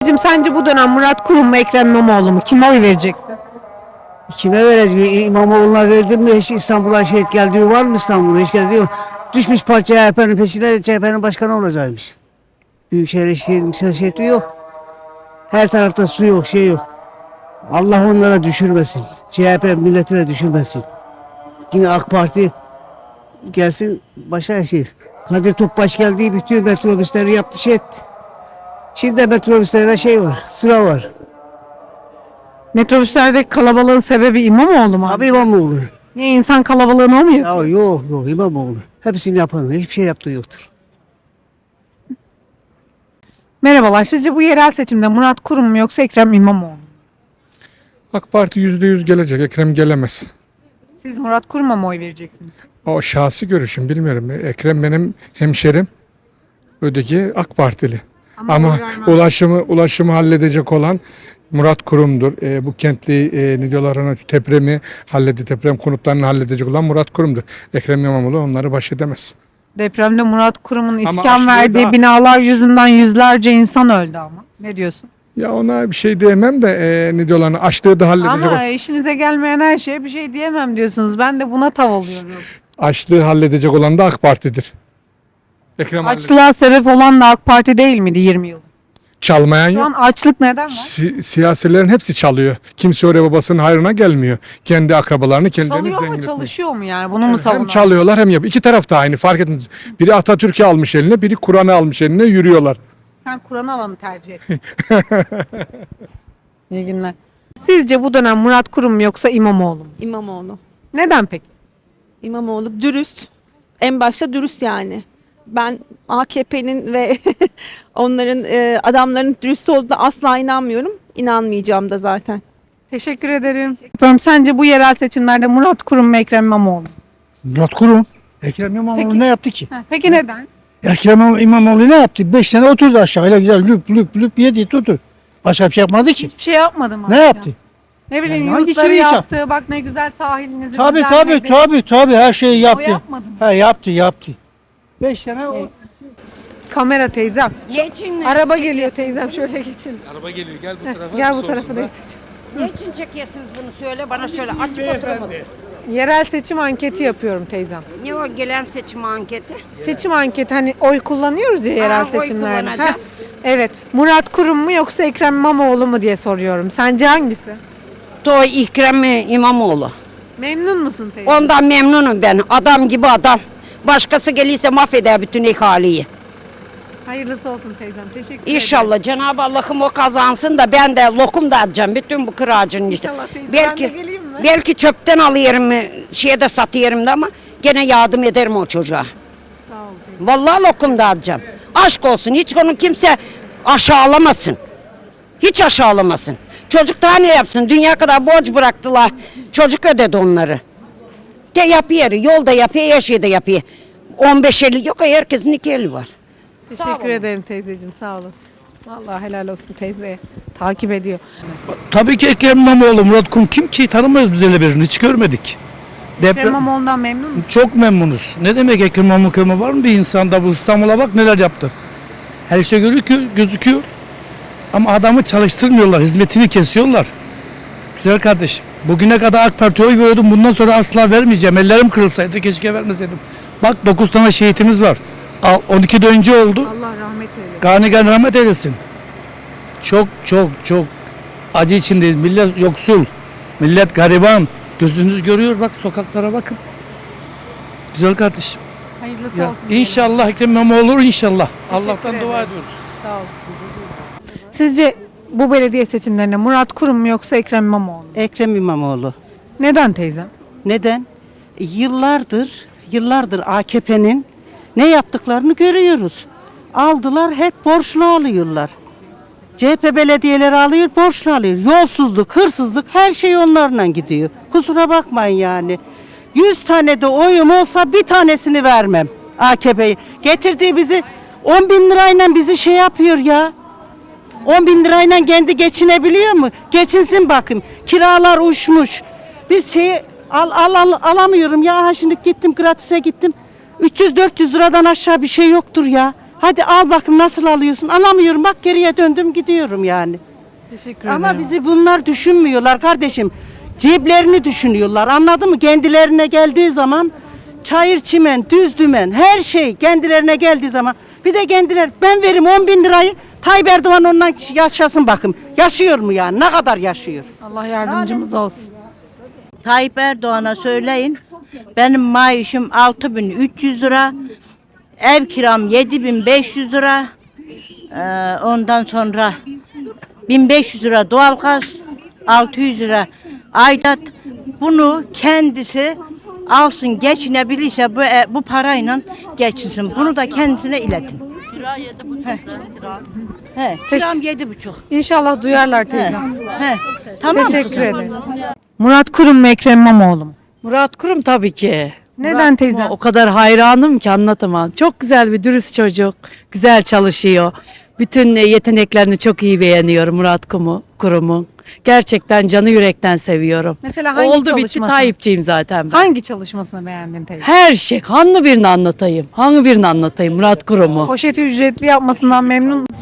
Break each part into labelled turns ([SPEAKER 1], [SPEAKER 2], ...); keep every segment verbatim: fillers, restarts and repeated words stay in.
[SPEAKER 1] Teyzeciğim sence bu dönem Murat Kurum mu Ekrem İmamoğlu mu? Kime oy vereceksin?
[SPEAKER 2] Kime vereceğim? İmamoğlu'na verdim mi hiç İstanbul'a şehit geldiği var mı İstanbul'da? Hiç geziyor. Düşmüş parça C H P'nin peşinde C H P'nin başkanı olacakmış. Büyükşehir şehit, şehit yok. Her tarafta su yok, şey yok. Allah onlara düşürmesin. C H P milletine düşürmesin. Yine AK Parti gelsin başa şey. Kadir Topbaş geldi, bütün metrobüsleri yaptı şey etti. Şimdi metrobüslerde şey var, sıra var.
[SPEAKER 1] Metrobüslerdeki kalabalığın sebebi İmamoğlu mu?
[SPEAKER 2] Abi İmamoğlu.
[SPEAKER 1] Niye insan kalabalığını o mu yapıyor?
[SPEAKER 2] Ya yok yok İmamoğlu. Hepsini yapanı, hiçbir şey yaptığı yoktur.
[SPEAKER 1] Merhabalar. Sizce bu yerel seçimde Murat Kurum mu yoksa Ekrem İmamoğlu mu?
[SPEAKER 3] AK Parti yüzde yüz gelecek. Ekrem gelemez.
[SPEAKER 1] Siz Murat Kurum'a mı oy vereceksiniz?
[SPEAKER 3] O şahsi görüşüm bilmiyorum. Ekrem benim hemşerim. Öteki AK Partili.
[SPEAKER 1] Ama
[SPEAKER 3] Ama,
[SPEAKER 1] oy vermem.
[SPEAKER 3] ulaşımı ulaşımı halledecek olan Murat Kurum'dur. E, bu kentli e, ne diyorlar ona depremi halledi deprem konutlarını halledecek olan Murat Kurum'dur. Ekrem İmamoğlu onları baş edemez.
[SPEAKER 1] Depremde Murat Kurum'un iskan
[SPEAKER 3] aşırı
[SPEAKER 1] verdiği
[SPEAKER 3] daha-
[SPEAKER 1] binalar yüzünden yüzlerce insan öldü ama. Ne diyorsun?
[SPEAKER 3] Ya ona bir şey diyemem de e, ne diyorlar ona açlığı da halledecek.
[SPEAKER 1] Ama
[SPEAKER 3] olan-
[SPEAKER 1] işinize gelmeyen her şeye bir şey diyemem diyorsunuz. Ben de buna tav oluyorum.
[SPEAKER 3] Açlığı halledecek olan da AK Parti'dir. Ekrem halledecek.
[SPEAKER 1] Açlığa sebep olan da AK Parti değil miydi yirmi yıl?
[SPEAKER 3] Çalmayan
[SPEAKER 1] Şu
[SPEAKER 3] yok.
[SPEAKER 1] an açlık neden var?
[SPEAKER 3] Si- siyasilerin hepsi çalıyor. Kimse oraya babasının hayrına gelmiyor. Kendi akrabalarını kendilerini
[SPEAKER 1] Çalıyor
[SPEAKER 3] zengin
[SPEAKER 1] mu
[SPEAKER 3] etmeye.
[SPEAKER 1] çalışıyor mu yani? Bunu mu
[SPEAKER 3] Hem
[SPEAKER 1] savunuyor?
[SPEAKER 3] çalıyorlar hem yapıyor. İki taraf da aynı fark etmez. Biri Atatürk'ü almış eline, biri Kur'an'ı almış eline yürüyorlar.
[SPEAKER 1] Sen Kur'an alanı tercih et. İyi günler. Sizce bu dönem Murat Kurum mu yoksa İmamoğlu mu?
[SPEAKER 4] İmamoğlu.
[SPEAKER 1] Neden peki?
[SPEAKER 4] İmamoğlu dürüst. En başta dürüst yani. Ben A K P'nin ve onların e, adamların dürüst olduğuna asla inanmıyorum. İnanmayacağım da zaten.
[SPEAKER 1] Teşekkür ederim. Yapıyorum. Sence bu yerel seçimlerde Murat Kurum mu Ekrem İmamoğlu mu?
[SPEAKER 5] Murat Kurum. Ekrem İmamoğlu
[SPEAKER 1] Peki.
[SPEAKER 5] ne yaptı ki?
[SPEAKER 1] Ha, Peki neden?
[SPEAKER 5] Ekrem İmamoğlu ne yaptı? Beş sene oturdu aşağıyla güzel lüp lüp lüp yedi tuttu. Başka bir şey yapmadı ki.
[SPEAKER 1] Hiçbir şey yapmadım
[SPEAKER 5] Ne
[SPEAKER 1] aslında.
[SPEAKER 5] yaptı?
[SPEAKER 1] Ne bileyim
[SPEAKER 5] Yani hangi
[SPEAKER 1] yurtları
[SPEAKER 5] şeyi yap-
[SPEAKER 1] yaptı. Bak ne güzel sahilinizi
[SPEAKER 5] Tabii tabii
[SPEAKER 1] düzenledi.
[SPEAKER 5] tabii tabii her şeyi
[SPEAKER 1] O
[SPEAKER 5] yaptı.
[SPEAKER 1] yapmadı mı?
[SPEAKER 5] He yaptı yaptı. Beş sene o.
[SPEAKER 1] Kamera teyzem.
[SPEAKER 6] Geçin,
[SPEAKER 1] Araba geliyor teyzem şöyle geçin.
[SPEAKER 7] Araba geliyor gel bu tarafa.
[SPEAKER 1] Gel bu tarafa teyzeciğim.
[SPEAKER 6] geçin çekiyorsunuz bunu söyle bana şöyle açık oturamadım.
[SPEAKER 1] Yerel seçim anketi yapıyorum teyzem.
[SPEAKER 6] Ne o gelen seçim anketi?
[SPEAKER 1] Seçim anketi hani oy kullanıyoruz ya yerel
[SPEAKER 6] Aa, oy
[SPEAKER 1] seçimlerde.
[SPEAKER 6] kullanacağız.
[SPEAKER 1] Heh, evet. Murat Kurum mu yoksa Ekrem İmamoğlu mu diye soruyorum. Sence hangisi?
[SPEAKER 6] To İkrem İmamoğlu.
[SPEAKER 1] Memnun musun teyze?
[SPEAKER 6] Ondan memnunum ben. Adam gibi adam. Başkası gelirse mahveder bütün ihaleyi.
[SPEAKER 1] Hayırlısı olsun teyzem. Teşekkür ederim.
[SPEAKER 6] İnşallah Cenab-ı Allah'ım o kazansın da ben de lokum dağıtacağım bütün bu kıracın.
[SPEAKER 1] İnşallah teyze.
[SPEAKER 6] Belki,
[SPEAKER 1] Ben de geleyim mi?
[SPEAKER 6] belki çöpten alıyorum, şeye de satıyorum da ama gene yardım ederim o çocuğa.
[SPEAKER 1] Sağ ol teyze.
[SPEAKER 6] Vallahi lokum dağıtacağım. Aşk olsun. Hiç onu kimse aşağılamasın. Hiç aşağılamasın. Çocuk daha ne yapsın? Dünya kadar borç bıraktılar. Çocuk ödedi onları. De yapıyor. Yolda yapıyor, her şeyde yapıyor. on beş eli yok. Herkesin iki eli var.
[SPEAKER 1] Teşekkür ederim teyzeciğim. Sağ olasın. Vallahi helal olsun teyzeye. Takip ediyor.
[SPEAKER 5] Tabii ki Ekrem İmamoğlu, Murat Kurum kim ki tanımıyoruz biz öyle birini hiç görmedik.
[SPEAKER 1] Ekrem
[SPEAKER 5] Deprem
[SPEAKER 1] İmamoğlu'ndan memnun musun?
[SPEAKER 5] çok memnunuz. Ne demek Ekrem İmamoğlu var mı bir insanda bu İstanbul'a bak neler yaptı. Her şey gözüküyor, gözüküyor. Ama adamı çalıştırmıyorlar, hizmetini kesiyorlar. Güzel kardeşim, bugüne kadar AK Parti'ye oy veriyordum, bundan sonra asla vermeyeceğim. Ellerim kırılsaydı keşke vermeseydim. Bak dokuz tane şehitimiz var. Al, on ikide önce oldu.
[SPEAKER 1] Allah rahmet eylesin.
[SPEAKER 5] Gani gani rahmet eylesin. Çok çok çok acı içindeyiz. Millet yoksul, millet gariban. Gözünüz görüyor bak sokaklara bakın. Güzel kardeşim.
[SPEAKER 1] Hayırlısı
[SPEAKER 5] Ya,
[SPEAKER 1] olsun.
[SPEAKER 5] İnşallah Ekrem İmamoğlu olur inşallah. Allah'tan
[SPEAKER 1] ederim.
[SPEAKER 5] dua ediyoruz.
[SPEAKER 1] Sağ ol. Sizce bu belediye seçimlerinde Murat Kurum mu yoksa Ekrem İmamoğlu mu?
[SPEAKER 8] Ekrem İmamoğlu.
[SPEAKER 1] Neden teyzem?
[SPEAKER 8] Neden? Yıllardır, yıllardır A K P'nin ne yaptıklarını görüyoruz. Aldılar, hep borçlu alıyorlar. C H P belediyeleri alıyor, borçlu alıyor. Yolsuzluk, hırsızlık her şey onlarla gidiyor. Kusura bakmayın yani. Yüz tane de oyum olsa bir tanesini vermem A K P'yi. Getirdiği bizi on bin lirayla bizi şey yapıyor ya. on bin lirayla kendi geçinebiliyor mu? Geçinsin bakın. Kiralar uçmuş. Biz şeyi al, al, al, alamıyorum ya. Ha şimdi gittim gratis'e gittim. üç yüz dört yüz liradan aşağı bir şey yoktur ya. Hadi al bakayım nasıl alıyorsun? Alamıyorum bak geriye döndüm gidiyorum yani.
[SPEAKER 1] Teşekkür
[SPEAKER 8] Ama
[SPEAKER 1] ederim.
[SPEAKER 8] bizi bunlar düşünmüyorlar kardeşim. Ceplerini düşünüyorlar anladın mı? Kendilerine geldiği zaman çayır çimen, düz dümen her şey kendilerine geldiği zaman. Bir de kendiler ben veririm on bin lirayı Tayyip Erdoğan ondan yaşasın bakın. Yaşıyor mu yani? Ne kadar yaşıyor?
[SPEAKER 1] Allah yardımcımız olsun.
[SPEAKER 7] Tayyip Erdoğan'a söyleyin. Benim maaşım altı bin üç yüz lira. Ev kiram yedi bin beş yüz lira. Ee, ondan sonra bin beş yüz lira doğalgaz, altı yüz lira aidat. Bunu kendisi alsın geçinebilirse bu e, bu parayla geçinsin. Bunu da kendisine iletin. Kira yedi buçuk. He, kiram yedi buçuk.
[SPEAKER 1] İnşallah duyarlar teyzem.
[SPEAKER 7] He, tamam
[SPEAKER 1] Teşekkür
[SPEAKER 7] kızım.
[SPEAKER 1] ederim. Murat Kurum mu Ekrem İmamoğlu mu?
[SPEAKER 9] Murat Kurum tabii ki.
[SPEAKER 1] Neden teyze?
[SPEAKER 9] O kadar hayranım ki anlatamam. Çok güzel bir dürüst çocuk. Güzel çalışıyor. Bütün e, yeteneklerini çok iyi beğeniyorum Murat Kumu, Kurum'un. Gerçekten canı yürekten seviyorum.
[SPEAKER 1] Mesela hangi
[SPEAKER 9] Oldu bitti
[SPEAKER 1] çalışmasını?
[SPEAKER 9] Tayyipçiyim zaten ben.
[SPEAKER 1] Hangi çalışmasını beğendin teyze?
[SPEAKER 9] Her şey. Hangi birini anlatayım? Hangi birini anlatayım Murat Kurum'u?
[SPEAKER 1] Poşeti ücretli yapmasından memnun musun?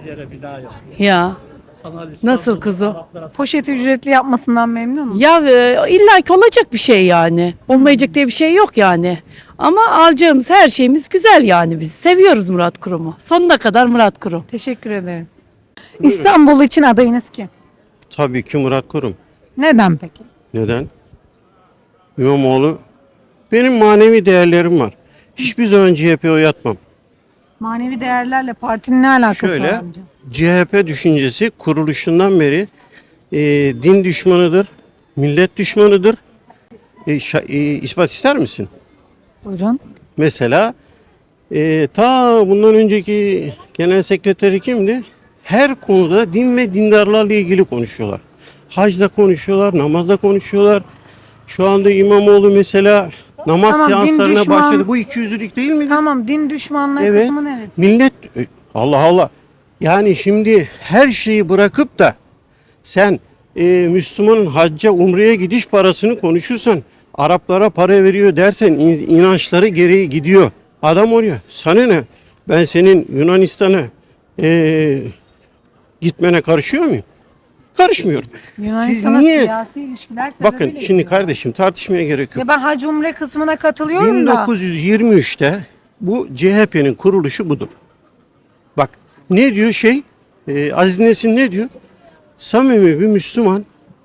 [SPEAKER 9] Ya. Nasıl kızım?
[SPEAKER 1] Poşeti ücretli yapmasından memnun musun?
[SPEAKER 9] Ya e, illa ki olacak bir şey yani. Olmayacak diye bir şey yok yani. Ama alacağımız her şeyimiz güzel yani biz. Seviyoruz Murat Kurum'u. Sonuna kadar Murat Kurum.
[SPEAKER 1] Teşekkür ederim. İstanbul için adayınız kim?
[SPEAKER 10] Tabii ki Murat Kurum.
[SPEAKER 1] Neden peki?
[SPEAKER 10] Neden? İmamoğlu, benim manevi değerlerim var. Hiçbir zaman C H P oy atmam.
[SPEAKER 1] Manevi değerlerle partinin ne alakası var
[SPEAKER 10] Şöyle,
[SPEAKER 1] amca?
[SPEAKER 10] C H P düşüncesi kuruluşundan beri e, din düşmanıdır, millet düşmanıdır. E, şa- e, ispat ister misin?
[SPEAKER 1] Buyurun.
[SPEAKER 10] Mesela e, ta bundan önceki genel sekreteri kimdi? Her konuda din ve dindarlarla ilgili konuşuyorlar. Hacda konuşuyorlar, namazda konuşuyorlar. Şu anda İmamoğlu mesela namaz
[SPEAKER 1] Tamam, din
[SPEAKER 10] seanslarına
[SPEAKER 1] düşman-
[SPEAKER 10] başladı. Bu ikiyüzlülük değil mi?
[SPEAKER 1] Tamam, din düşmanlığı
[SPEAKER 10] Evet.
[SPEAKER 1] kısmı neresi?
[SPEAKER 10] Millet Allah Allah. Yani şimdi her şeyi bırakıp da sen e, Müslümanın hacca, umreye gidiş parasını konuşursan, Araplara para veriyor dersen in- inançları gereği gidiyor. Adam oraya. Sana ne? Ben senin Yunanistan'a e, gitmene karışıyor muyum? Karışmıyorum. Siz
[SPEAKER 1] Yunanistan'a
[SPEAKER 10] niye?
[SPEAKER 1] siyasi ilişkiler
[SPEAKER 10] Bakın
[SPEAKER 1] sebebiyle
[SPEAKER 10] şimdi
[SPEAKER 1] gidiyor.
[SPEAKER 10] kardeşim tartışmaya gerek yok.
[SPEAKER 1] Ya ben hac umre kısmına katılıyorum
[SPEAKER 10] bin
[SPEAKER 1] da.
[SPEAKER 10] dokuz yüz yirmi üçte bu C H P'nin kuruluşu budur. Bak ne diyor şey e, Aziz Nesin ne diyor? Samimi bir Müslüman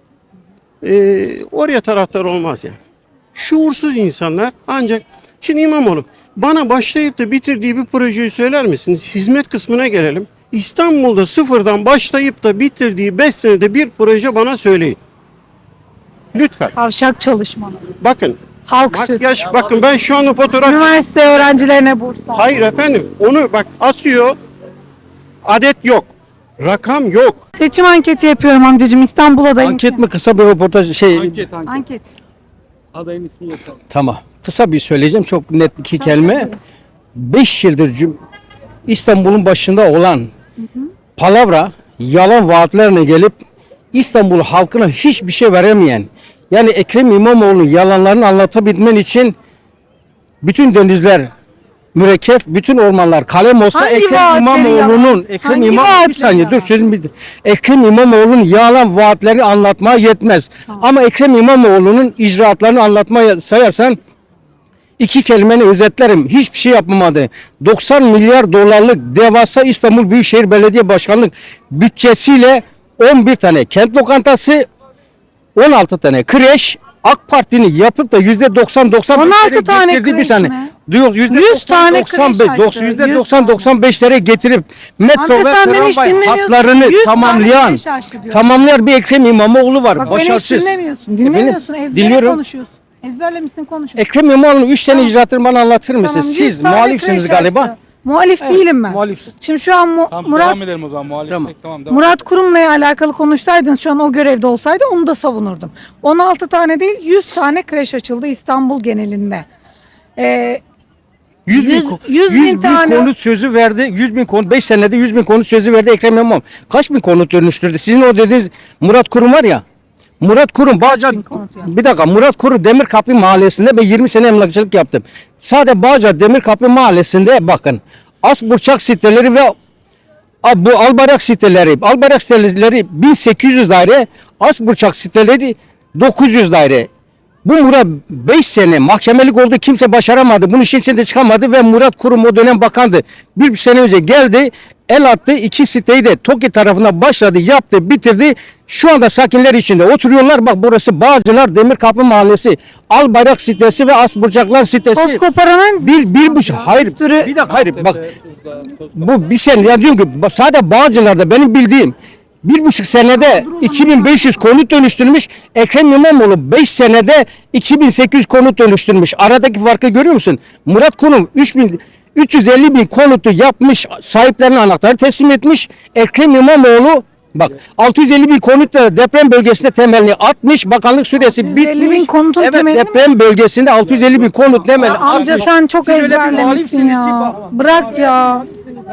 [SPEAKER 10] e, oraya taraftar olmaz yani. Şuursuz insanlar ancak şimdi İmamoğlu bana başlayıp da bitirdiği bir projeyi söyler misiniz? Hizmet kısmına gelelim. İstanbul'da sıfırdan başlayıp da bitirdiği beş senede bir proje bana söyleyin. Lütfen.
[SPEAKER 1] Kavşak çalışmaları.
[SPEAKER 10] Bakın.
[SPEAKER 1] Halk süt.
[SPEAKER 10] Makyaj bakın ben şu anda fotoğraf
[SPEAKER 1] Üniversite öğrencilerine burs.
[SPEAKER 10] Hayır efendim onu bak asıyor. Adet yok. Rakam yok.
[SPEAKER 1] Seçim anketi yapıyorum amcacığım. İstanbul adayım.
[SPEAKER 11] Anket mi kısa bir röportaj şey
[SPEAKER 1] Anket.
[SPEAKER 11] tamam. Kısa bir söyleyeceğim çok net iki kelime. beş yıldır cüm- İstanbul'un başında olan palavra yalan vaatlerine gelip İstanbul halkına hiçbir şey veremeyen yani Ekrem İmamoğlu'nun yalanlarını anlatabilmen için bütün denizler mürekkep, bütün ormanlar kalem olsa
[SPEAKER 1] Hangi
[SPEAKER 11] Ekrem
[SPEAKER 1] vaatleri
[SPEAKER 11] İmamoğlu'nun
[SPEAKER 1] yalan?
[SPEAKER 11] Ekrem
[SPEAKER 1] Hangi
[SPEAKER 11] İmamoğlu
[SPEAKER 1] vaatleri
[SPEAKER 11] bir saniye
[SPEAKER 1] yalan?
[SPEAKER 11] dur sözüm bitti. Ekrem İmamoğlu'nun yalan vaatlerini anlatmaya yetmez. Ama Ekrem İmamoğlu'nun icraatlarını anlatmaya sayarsan iki kelimeni özetlerim. Hiçbir şey yapmamadı. doksan milyar dolarlık devasa İstanbul Büyükşehir Belediye Başkanlık bütçesiyle on bir tane kent lokantası, on altı tane kreş, AK Parti'nin yapıp da yüzde doksan doksan
[SPEAKER 1] on altı tane kreş mi?
[SPEAKER 11] Diyor yüzde
[SPEAKER 1] yüz tane kreş açtı.
[SPEAKER 11] yüzde
[SPEAKER 1] yüz
[SPEAKER 11] doksan
[SPEAKER 1] tane.
[SPEAKER 11] doksan beşlere getirip metro
[SPEAKER 1] Amca
[SPEAKER 11] ve
[SPEAKER 1] sen beni hiç
[SPEAKER 11] tramvay
[SPEAKER 1] dinlemiyorsun.
[SPEAKER 11] hatlarını
[SPEAKER 1] yüz tane
[SPEAKER 11] tamamlayan
[SPEAKER 1] kreş açtı diyor.
[SPEAKER 11] tamamlayan bir Ekrem İmamoğlu var.
[SPEAKER 1] Bak
[SPEAKER 11] Başarısız.
[SPEAKER 1] beni hiç dinlemiyorsun. Dinlemiyorsun.
[SPEAKER 11] Efendim?
[SPEAKER 1] Ezbere
[SPEAKER 11] Dinliyorum.
[SPEAKER 1] konuşuyorsun. Ezberlemişsin konuşuyorsun.
[SPEAKER 11] Ekrem İmamoğlu'nun üç tane
[SPEAKER 1] Tamam.
[SPEAKER 11] icraatını bana anlatır mısınız?
[SPEAKER 1] Tamam, yüz
[SPEAKER 11] Siz
[SPEAKER 1] tane
[SPEAKER 11] muhalifsiniz
[SPEAKER 1] kreş
[SPEAKER 11] galiba.
[SPEAKER 1] açtı. Muhalif değilim ben.
[SPEAKER 11] Muhalifsin.
[SPEAKER 1] Şimdi şu an Mu-
[SPEAKER 5] Tamam,
[SPEAKER 1] Murat
[SPEAKER 5] devam edelim o zaman muhalefet.
[SPEAKER 11] Tamam.
[SPEAKER 5] Tamam. devam.
[SPEAKER 1] Murat Kurum'la alakalı konuşsaydınız şu an o görevde olsaydı onu da savunurdum. on altı tane değil yüz tane kreş açıldı İstanbul genelinde. Ee,
[SPEAKER 11] yüz bin,
[SPEAKER 1] Yüz-
[SPEAKER 11] ko-
[SPEAKER 1] yüz bin
[SPEAKER 11] yüz bin
[SPEAKER 1] tane-
[SPEAKER 11] konut sözü verdi. yüz bin konut beş senede yüz bin konut sözü verdi Ekrem İmamoğlu. Kaç bin konut dönüştürdü? Sizin o dediğiniz Murat Kurum var ya. Murat Kurum Bağcılar
[SPEAKER 1] bin konut yaptı?
[SPEAKER 11] bir dakika Murat Kurum Demirkapı Mahallesi'nde ben yirmi sene emlakçılık yaptım. Sadece Bağcılar Demirkapı Mahallesi'nde bakın Asburçak siteleri ve A, bu Albayrak siteleri, Albayrak siteleri bin sekiz yüz daire, Asburçak siteleri dokuz yüz daire. Bu Murat beş sene mahkemelik oldu, kimse başaramadı. Bunun işin içinde çıkamadı ve Murat Kurum o dönem bakandı. Bir buçuk sene önce geldi, el attı, iki siteyi de TOKİ tarafından başladı, yaptı, bitirdi. Şu anda sakinler içinde oturuyorlar. Bak burası Bağcılar Demirkapı Mahallesi, Albayrak sitesi ve Asburcaklar sitesi.
[SPEAKER 1] Toz koparanın
[SPEAKER 11] Bir, bir buçuk, hayır,
[SPEAKER 1] sürü-
[SPEAKER 11] bir dakika, hayır, bak, bu bir sene, ya diyorum ki, bak, sadece Bağcılar'da benim bildiğim, bir buçuk senede iki bin beş yüz konut dönüştürmüş, Ekrem İmamoğlu beş senede iki bin sekiz yüz konut dönüştürmüş. Aradaki farkı görüyor musun? Murat Kurum üç bin, üç yüz elli bin konutu yapmış, sahiplerine anahtarı teslim etmiş. Ekrem İmamoğlu bak altı yüz elli bin konutla deprem bölgesinde temelini atmış, bakanlık süresi
[SPEAKER 1] altı yüz elli bin
[SPEAKER 11] bitmiş.
[SPEAKER 1] konutun
[SPEAKER 11] Evet,
[SPEAKER 1] temelini mi?
[SPEAKER 11] deprem bölgesinde altı yüz elli bin konut temelini
[SPEAKER 1] Amca
[SPEAKER 11] atmış.
[SPEAKER 1] sen çok
[SPEAKER 11] Siz öyle bir
[SPEAKER 1] ezberlemişsin
[SPEAKER 11] muhalifsiniz
[SPEAKER 1] ya.
[SPEAKER 11] ki bak-
[SPEAKER 1] Bırak ya.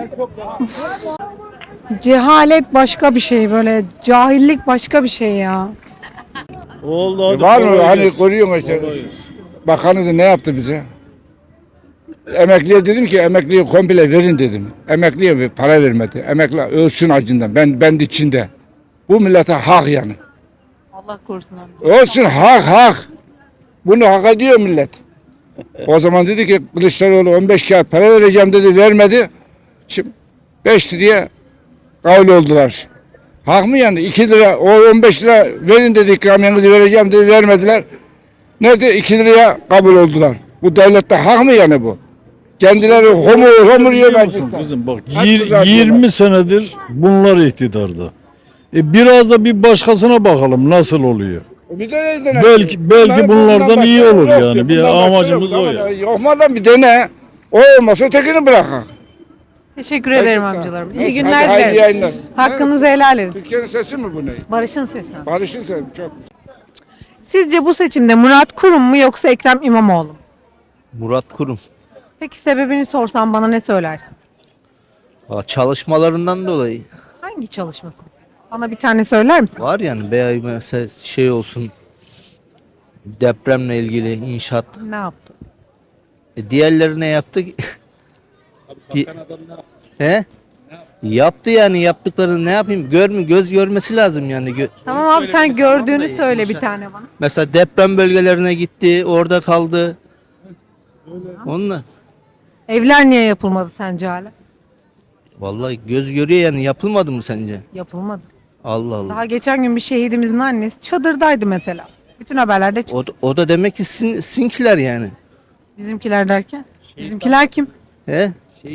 [SPEAKER 1] Cehalet başka bir şey, böyle cahillik başka bir şey ya.
[SPEAKER 12] Oldu hadi.
[SPEAKER 3] Var mı?
[SPEAKER 12] kolay
[SPEAKER 3] Hani
[SPEAKER 12] gelsin.
[SPEAKER 3] koruyorsun işte.
[SPEAKER 12] Kolay gelsin.
[SPEAKER 3] Bakanı da ne yaptı bize? Emekliye dedim ki emekliye komple verin dedim. Emekliye ver- para vermedi. Emekli ölsün acından. Ben ben de içinde. Bu millete hak yani.
[SPEAKER 9] Allah korusun amca.
[SPEAKER 3] Olsun hak hak. Bunu hak ediyor millet. O zaman dedi ki Kılıçdaroğlu on beş kağıt para vereceğim dedi, vermedi. Şimdi beş liraya kavul oldular. Hak mı yani? iki lira, o on beş lira verin dedi, ikramiyanızı vereceğim dedi, vermediler. Nerede? iki liraya kabul oldular. Bu devlette hak mı yani bu? Kendileri homur homur yiyor
[SPEAKER 12] Biliyor musun
[SPEAKER 3] mecliste.
[SPEAKER 12] kızım bak
[SPEAKER 3] Hak
[SPEAKER 12] yir-
[SPEAKER 3] kızartıyorlar.
[SPEAKER 12] yirmi senedir bunlar iktidarda. E biraz da bir başkasına bakalım nasıl oluyor.
[SPEAKER 3] Bir de dene.
[SPEAKER 12] Belki- belki
[SPEAKER 3] Bunlar-
[SPEAKER 12] bunlardan
[SPEAKER 3] bundan
[SPEAKER 12] iyi
[SPEAKER 3] başka
[SPEAKER 12] olur
[SPEAKER 3] yok
[SPEAKER 12] yani.
[SPEAKER 3] ya,
[SPEAKER 12] Bir
[SPEAKER 3] bundan başka
[SPEAKER 12] amacımız
[SPEAKER 3] yok.
[SPEAKER 12] o ya.
[SPEAKER 3] Yokmadan bir dene. O olmasa ötekini bırakak.
[SPEAKER 1] Teşekkür ederim
[SPEAKER 3] Gerçekten.
[SPEAKER 1] amcalarım.
[SPEAKER 3] Neyse,
[SPEAKER 1] İyi günler
[SPEAKER 3] hadi hayırlı
[SPEAKER 1] dilerim.
[SPEAKER 3] yayınlar.
[SPEAKER 1] Hakkınızı helal edin.
[SPEAKER 3] Türkiye'nin sesi mi bu ne?
[SPEAKER 1] Barış'ın sesi.
[SPEAKER 3] Barış'ın sesi çok.
[SPEAKER 1] Sizce bu seçimde Murat Kurum mu yoksa Ekrem İmamoğlu mu?
[SPEAKER 13] Murat Kurum.
[SPEAKER 1] Peki sebebini sorsam bana ne söylersin?
[SPEAKER 13] Aa, Çalışmalarından dolayı
[SPEAKER 1] Hangi çalışması? Bana bir tane söyler misin?
[SPEAKER 13] var yani veya mesela şey olsun depremle ilgili inşaat.
[SPEAKER 1] Ne yaptı?
[SPEAKER 13] E, diğerleri ne yaptı? Di- He? Yaptı yani yaptıklarını ne yapayım? Görmü göz görmesi lazım yani. Gö-
[SPEAKER 1] Tamam abi sen gördüğünü söyle bir tane bana.
[SPEAKER 13] Mesela deprem bölgelerine gitti, orada kaldı. Onunla.
[SPEAKER 1] Evler niye yapılmadı sence hala?
[SPEAKER 13] Vallahi göz görüyor yani yapılmadı mı sence?
[SPEAKER 1] Yapılmadı.
[SPEAKER 13] Allah Allah.
[SPEAKER 1] Daha geçen gün bir şehidimizin annesi çadırdaydı mesela. Bütün haberlerde çıktı.
[SPEAKER 13] O, da- o da demek ki sin, sinkiler yani.
[SPEAKER 1] Bizimkiler derken. Bizimkiler kim?
[SPEAKER 13] He?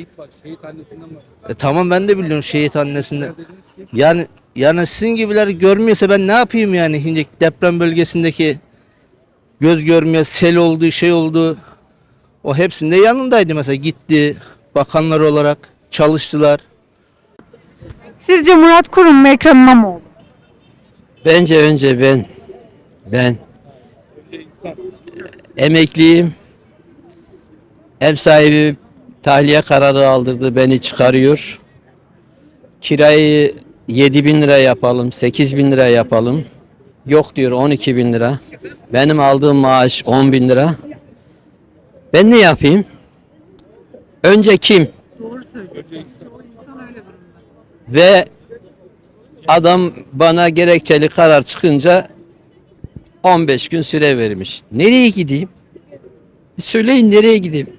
[SPEAKER 13] E tamam ben de biliyorum şehit annesinden. Yani yani sizin gibiler görmüyorsa ben ne yapayım yani şimdi deprem bölgesindeki göz görmüyor, sel oldu, şey oldu. O hepsinde yanındaydı mesela gitti bakanlar olarak çalıştılar.
[SPEAKER 1] Sizce Murat Kurum mu Ekrem İmamoğlu?
[SPEAKER 14] Bence önce ben ben emekliyim. Ev sahibi tahliye kararı aldırdı, beni çıkarıyor. Kirayı yedi bin lira yapalım, sekiz bin lira yapalım. Yok diyor on iki bin lira. Benim aldığım maaş on bin lira. Ben ne yapayım? Önce kim? Ve adam bana gerekçeli karar çıkınca on beş gün süre vermiş. Nereye gideyim? Söyleyin nereye gideyim?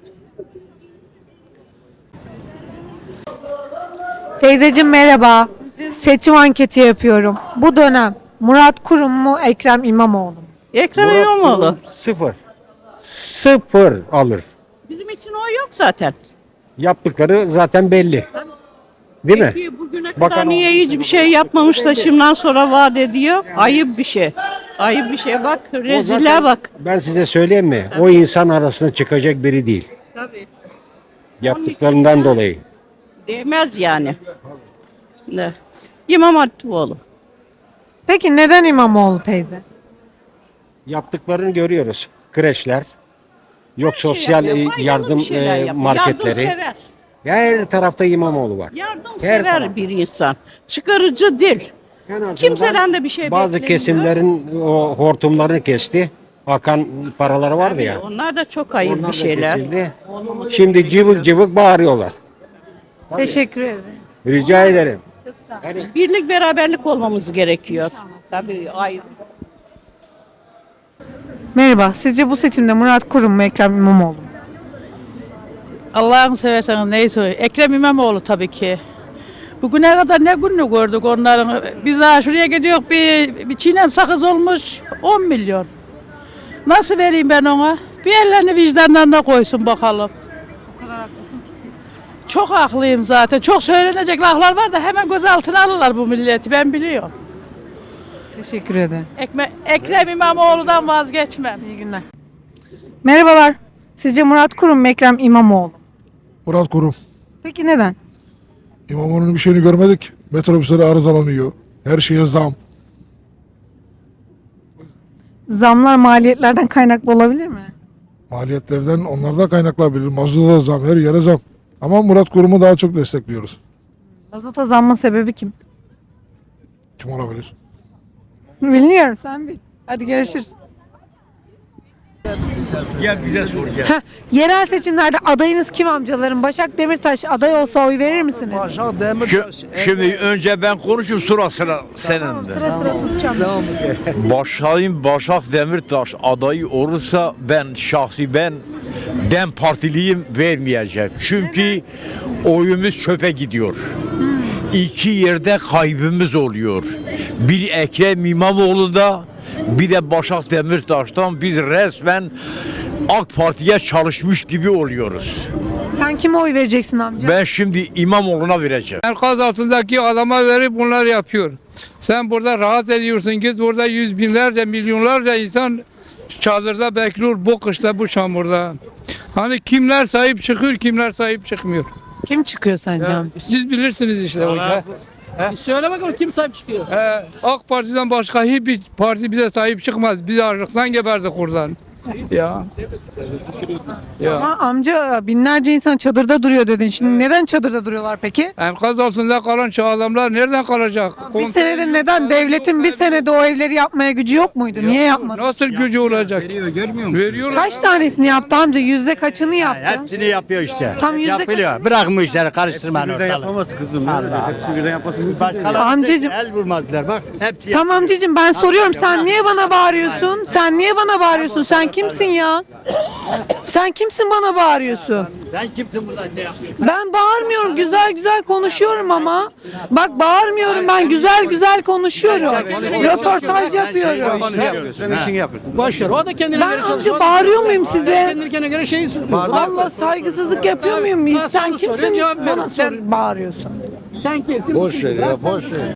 [SPEAKER 1] Teyzeciğim merhaba. Seçim anketi yapıyorum. Bu dönem Murat Kurum mu Ekrem İmamoğlu mu?
[SPEAKER 7] Ekrem İmamoğlu.
[SPEAKER 11] Sıfır. Sıfır alır.
[SPEAKER 7] Bizim için o yok zaten.
[SPEAKER 11] Yaptıkları zaten belli. Değil mi?
[SPEAKER 7] Peki bugüne
[SPEAKER 11] Bakan
[SPEAKER 7] kadar niye hiçbir şey yapmamış da şimdiden sonra vaat ediyor? Ayıp bir şey. Ayıp bir şey bak. Rezile bak.
[SPEAKER 11] Ben size söyleyeyim mi? O insan arasında çıkacak biri değil.
[SPEAKER 7] Tabii.
[SPEAKER 11] Yaptıklarından dolayı.
[SPEAKER 7] Değmez yani. Ne? İmam Hatipoğlu.
[SPEAKER 1] Peki neden İmamoğlu teyze?
[SPEAKER 11] Yaptıklarını görüyoruz. Kreşler, yok sosyal
[SPEAKER 7] yapıyor,
[SPEAKER 11] e,
[SPEAKER 7] faydalı
[SPEAKER 11] yardım
[SPEAKER 7] bir şeyler
[SPEAKER 11] e,
[SPEAKER 7] yapıyor.
[SPEAKER 11] marketleri.
[SPEAKER 7] Yardımsever.
[SPEAKER 11] Her tarafta İmamoğlu var. Her
[SPEAKER 7] Yardımsever
[SPEAKER 11] tarafta.
[SPEAKER 7] bir insan. Çıkarıcı değil.
[SPEAKER 11] En azından
[SPEAKER 7] Kimseden de bir şey
[SPEAKER 11] bazı
[SPEAKER 7] beklemiyor.
[SPEAKER 11] kesimlerin o hortumlarını kesti. Akan paraları vardı ya.
[SPEAKER 7] Onlar da çok ayıp
[SPEAKER 11] Onlar
[SPEAKER 7] bir
[SPEAKER 11] da
[SPEAKER 7] şeyler.
[SPEAKER 11] kesildi. Şimdi cıvık cıvık bağırıyorlar.
[SPEAKER 1] Teşekkür ederim.
[SPEAKER 3] Rica ederim.
[SPEAKER 7] Birlik beraberlik olmamız gerekiyor. Tabii ayrı.
[SPEAKER 1] Merhaba. Sizce bu seçimde Murat Kurum mu Ekrem İmamoğlu mu?
[SPEAKER 7] Allah'ını severseniz neyi söylüyor? Ekrem İmamoğlu tabii ki. Bugüne kadar ne gününü gördük onların. Biz daha şuraya gidiyoruz bir, bir çiğnem sakız olmuş on milyon. Nasıl vereyim ben ona? Bir ellerini vicdanlarına koysun bakalım.
[SPEAKER 1] O kadar haklısın ki.
[SPEAKER 7] Çok haklıyım zaten. Çok söylenecek laflar var da hemen gözaltına alırlar bu milleti ben biliyorum.
[SPEAKER 1] Teşekkür ederim.
[SPEAKER 7] Ekme, Ekrem İmamoğlu'dan vazgeçmem.
[SPEAKER 1] İyi günler. Merhabalar. Sizce Murat Kurum mu Ekrem İmamoğlu mu?
[SPEAKER 12] Murat Kurum.
[SPEAKER 1] Peki neden?
[SPEAKER 12] İmamoğlu'nun bir şeyini görmedik. Metrobüsleri arızalanıyor. Her şeye zam.
[SPEAKER 1] Zamlar maliyetlerden kaynaklı olabilir mi?
[SPEAKER 12] Maliyetlerden onlardan kaynaklanabilir. Mazluda da zam, her yere zam. Ama Murat Kurum'u daha çok destekliyoruz.
[SPEAKER 1] Mazota zammın sebebi kim?
[SPEAKER 12] Kim olabilir?
[SPEAKER 1] Bilmiyorum, sen bil. Hadi görüşürüz.
[SPEAKER 11] Gel bize sor gel.
[SPEAKER 1] Heh, yerel seçimlerde adayınız kim amcalarım? Başak Demirtaş aday olsa oy verir misiniz?
[SPEAKER 11] Şimdi önce ben konuşayım sonra sıra senin de.
[SPEAKER 1] Sıra sıra tutacağım.
[SPEAKER 11] Başayım Başak Demirtaş adayı olursa ben şahsi ben Dem Partiliyim vermeyeceğim. Çünkü oyumuz çöpe gidiyor. İki yerde kaybımız oluyor. Bir Ekrem İmamoğlu'da bir de Başak Demirtaş'tan biz resmen AK Parti'ye çalışmış gibi oluyoruz.
[SPEAKER 1] Sen kime oy vereceksin amca?
[SPEAKER 11] Ben şimdi İmamoğlu'na vereceğim.
[SPEAKER 3] Enkaz altındaki adama verip bunlar yapıyor. Sen burada rahat ediyorsun. Git burada yüz binlerce, milyonlarca insan çadırda bekliyor bu kışta, bu çamurda. Hani kimler sahip çıkıyor, kimler sahip çıkmıyor.
[SPEAKER 1] Kim çıkıyor sence? amca?
[SPEAKER 3] Siz bilirsiniz işte o işi.
[SPEAKER 7] Söyle bakalım kim sahip çıkıyor?
[SPEAKER 3] Ee, AK Parti'den başka hiçbir parti bize sahip çıkmaz. Biz açlıktan geberdik oradan. Ya. Ya.
[SPEAKER 1] Ama amca binlerce insan çadırda duruyor dedin. Şimdi neden çadırda duruyorlar peki?
[SPEAKER 3] Enkaz altında kalan şu adamlar nereden kalacak?
[SPEAKER 1] Bir senede neden devletin bir senede o evleri yapmaya gücü yok muydu? Niye yapmadı?
[SPEAKER 3] Nasıl gücü olacak?
[SPEAKER 10] Veriyor, görmüyor musun?
[SPEAKER 3] Veriyorlar.
[SPEAKER 1] Kaç tanesini yaptı amca? Yüzde kaçını yaptı?
[SPEAKER 10] Hepsini yapıyor işte.
[SPEAKER 1] Tam yüzde
[SPEAKER 10] Yapılıyor. Bırakın bu işleri karıştırmayın ortalığı.
[SPEAKER 11] yapamaz kızım. Hepsi birden yapmasın.
[SPEAKER 10] Başkaları
[SPEAKER 1] Amcacım.
[SPEAKER 10] el vurmazlar bak. Hepsi
[SPEAKER 1] Tamam amcacığım ben soruyorum. Sen niye bana bağırıyorsun? Sen niye bana bağırıyorsun? Sen kimsin ya? Sen kimsin bana bağırıyorsun?
[SPEAKER 10] Sen kimsin burada ne yapıyorsun?
[SPEAKER 1] Ben bağırmıyorum. Güzel güzel konuşuyorum ama. Bak bağırmıyorum ben. Güzel güzel konuşuyorum. Röportaj yapıyorum.
[SPEAKER 11] Sen işini yapıyorsun.
[SPEAKER 7] Boş ver. O da kendine
[SPEAKER 1] Ben amca bağırıyor muyum size?
[SPEAKER 7] Kendine göre şeyi
[SPEAKER 1] Allah saygısızlık yapıyor muyum? Sen kimsin? Bana sor, bağırıyorsun.
[SPEAKER 7] Sen kimsin?
[SPEAKER 10] Boş ver ya boş ver.